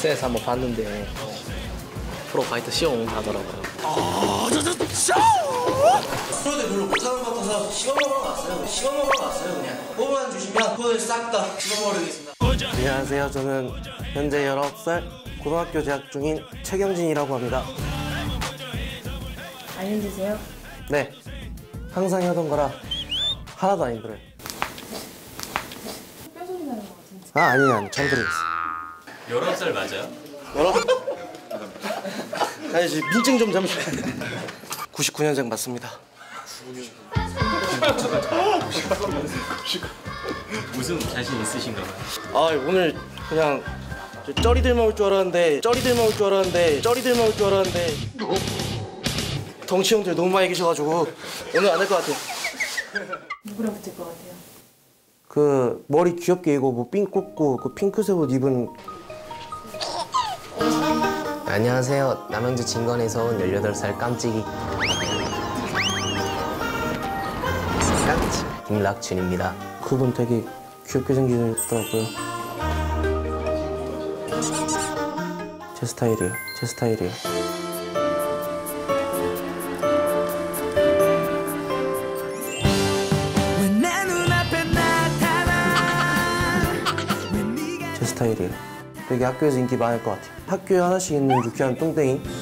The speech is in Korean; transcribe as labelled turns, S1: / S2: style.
S1: SNS 한번 봤는데 프로파이터 시험 하더라고요.
S2: 프로들 별로 못하는 것 같아서 씹어먹으러 왔어요. 씹어먹으러 왔어요. 그냥 뽑아만 주시면 돈을 싹 다 씹어먹으겠습니다.
S3: 안녕하세요. 저는 현재 19살 고등학교 재학 중인 최경진이라고 합니다.
S4: 안 힘드세요?
S3: 네, 항상 하던 거라 하나도 안 힘들어요.
S4: 뼈소리 나는 것 같은데.
S3: 아니, 잘 들어있어.
S5: 19살 맞아요?
S3: 아니, 지금 민증 좀 잠시만. 99년생 맞습니다.
S5: 무슨 자신 있으신가 봐요.
S3: 아, 오늘 그냥 쩌리들만 올 줄 알았는데 덩치 형들 너무 많이 계셔가지고 오늘 안 할 것 같아요.
S4: 누구랑 붙을 것 같아요?
S3: 그 머리 귀엽게 이고 뭐 핀 꽂고 그 핑크색 옷 입은.
S1: 안녕하세요. 남양주 진건에서 온 18살 깜찍이 김락준입니다.
S3: 그분 되게 귀엽게 생기더라고요. 제 스타일이에요. 제 스타일이에요. 되게 학교에서 인기 많을 것 같아요. 학교에 하나씩 있는 유쾌한 뚱땡이.